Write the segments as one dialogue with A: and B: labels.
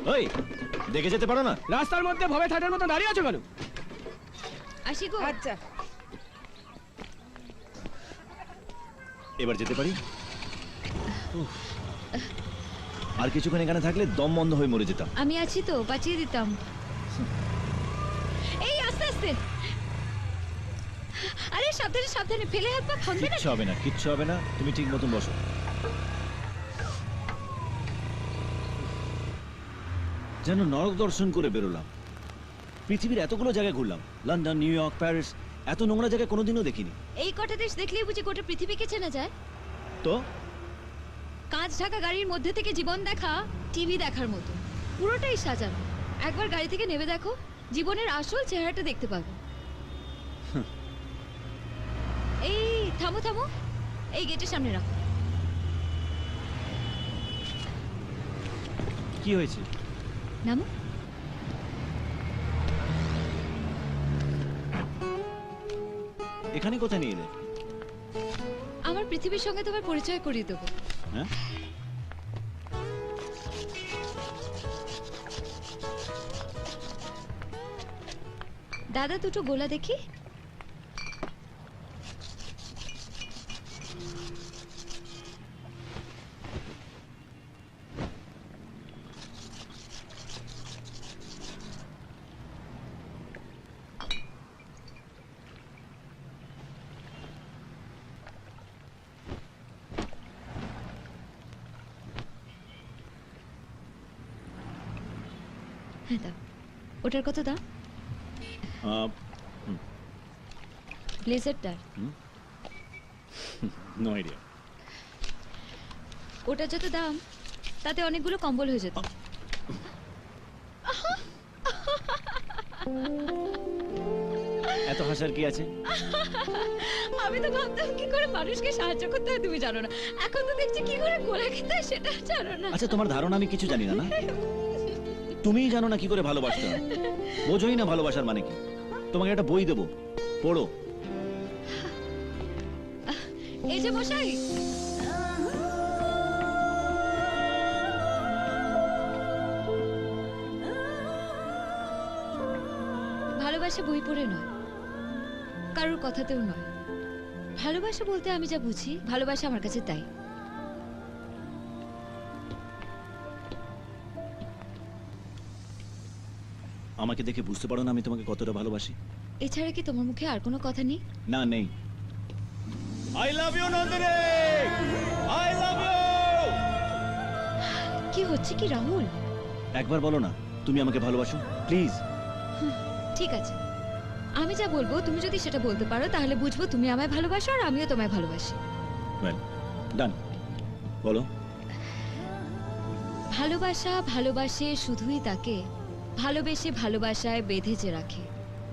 A: ওই দেখে যেতে পারো না?
B: রাস্তার মধ্যে ভবে থাটার মতো দাঁড়িয়ে আছো কেন?
C: আসি গো।
D: আচ্ছা
A: এবার যেতে পারি? উফ। আর কিছুক্ষণ এখানে থাকলে দম বন্ধ হয়ে মরে যেতাম।
C: আমি আছি তো, বাঁচিয়ে দিতাম। এই আস্তে আস্তে। আরে সাবধানে সাবধানে, ফেলে হাত পা ভাঙবে না।
A: কিচ্ছু হবে না, কিচ্ছু হবে না, তুমি ঠিক মতন বসো। যেন নরক দর্শন করে বেরোলাম। পৃথিবীর এতগুলো জায়গায় ঘুরলাম, লন্ডন, নিউ ইয়র্ক, প্যারিস, এত নোংরা জায়গা কোনোদিনও দেখিনি।
C: এই কটা দেশ দেখলেই বুঝি গোটা পৃথিবীকে চেনা যায়।
A: তো
C: কাঁচ ঢাকা গাড়ির মধ্যে থেকে জীবন দেখা টিভি দেখার মতো, পুরোটাই সাজানো। একবার গাড়ি থেকে নেমে দেখো, জীবনের আসল চেহারাটা দেখতে পাবে। এই থামো থামো, এই গেটের সামনে রাখো।
A: কি হয়েছে?
C: নামো।
A: এখানে কোথায় নিয়ে এলে?
C: আমার পৃথিবীর সঙ্গে তোমার পরিচয় করিয়ে দেবো।
A: হ্যাঁ,
C: দাদা দুটো গোলা দেখি। হ্যাঁ দাও। ওটার কত দাম? ব্লেজারটার।
A: No idea.
C: ওটার যত দাম তাতে অনেকগুলো কম্বল হয়ে যেত।
A: এত হাসার কি আছে?
C: আমি তো ভাবতাম কি করে মানুষকে সাহায্য করতে হয় তুমি জানো না, এখন তো দেখছি কি করে গোলা খেতে হয় সেটা জানো না।
A: আচ্ছা, তোমার ধারণা আমি কিছু জানি না? না, তুমিই জানো না কি করে ভালোবাসতে হয়, বোঝোই না ভালোবাসার মানে কি। তোমাকে একটা বই দেবো, পড়ো।
C: এই যে মশাই, ভালোবাসা বই পড়ে নয়, কারোর কথাতেও নয়। ভালোবাসা বলতে আমি যা বুঝি, ভালোবাসা আমার কাছে তাই।
A: আমাকে দেখে বুঝতে পারো না আমি তোমাকে কতটা ভালোবাসি?
C: এছাড়া কি তোমার মুখে আর কোনো কথা নেই?
A: না, নেই। I love you Nandini, I love you.
C: কি হচ্ছে কি রাহুল?
A: একবার বলো না তুমি আমাকে ভালোবাসো, প্লিজ।
C: ঠিক আছে, আমি যা বলবো তুমি যদি সেটা বলতে পারো তাহলে বুঝবো তুমি আমায় ভালোবাসো আর আমিও তোমায় ভালোবাসি।
A: ওয়েল ডান, বলো।
C: ভালোবাসা ভালোবাসে শুধুই তাকে ভালোবেসে ভালোবাসায় বেঁধে রাখে।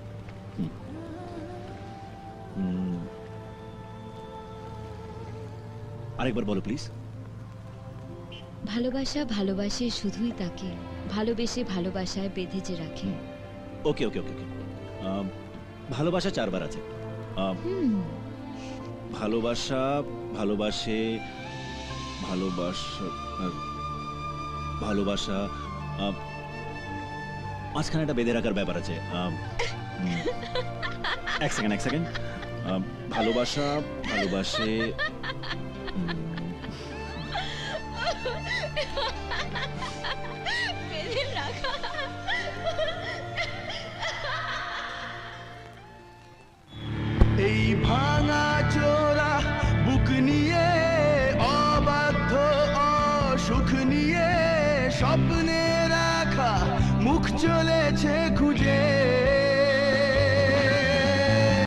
A: আরেকবার বলো প্লিজ।
C: ভালোবাসা ভালোবাসে শুধুই তাকে ভালোবেসে ভালোবাসায় বেঁধে রাখে।
A: ওকে ওকে ওকে ওকে। ভালোবাসা 4 বার আছে। ভালোবাসা, ভালোবাসে, ভালোবাসা, ভালোবাসা, মাঝখানে একটা বেঁধে রাখার ব্যাপার আছে। এক সেকেন্ড। ভালোবাসা, ভালোবাসে,
E: এই ভাঙা চোরা বুক নিয়ে, অবাধ্য অসুখ নিয়ে, স্বপ্নে রাখা মুখ চলেছে খুঁজে।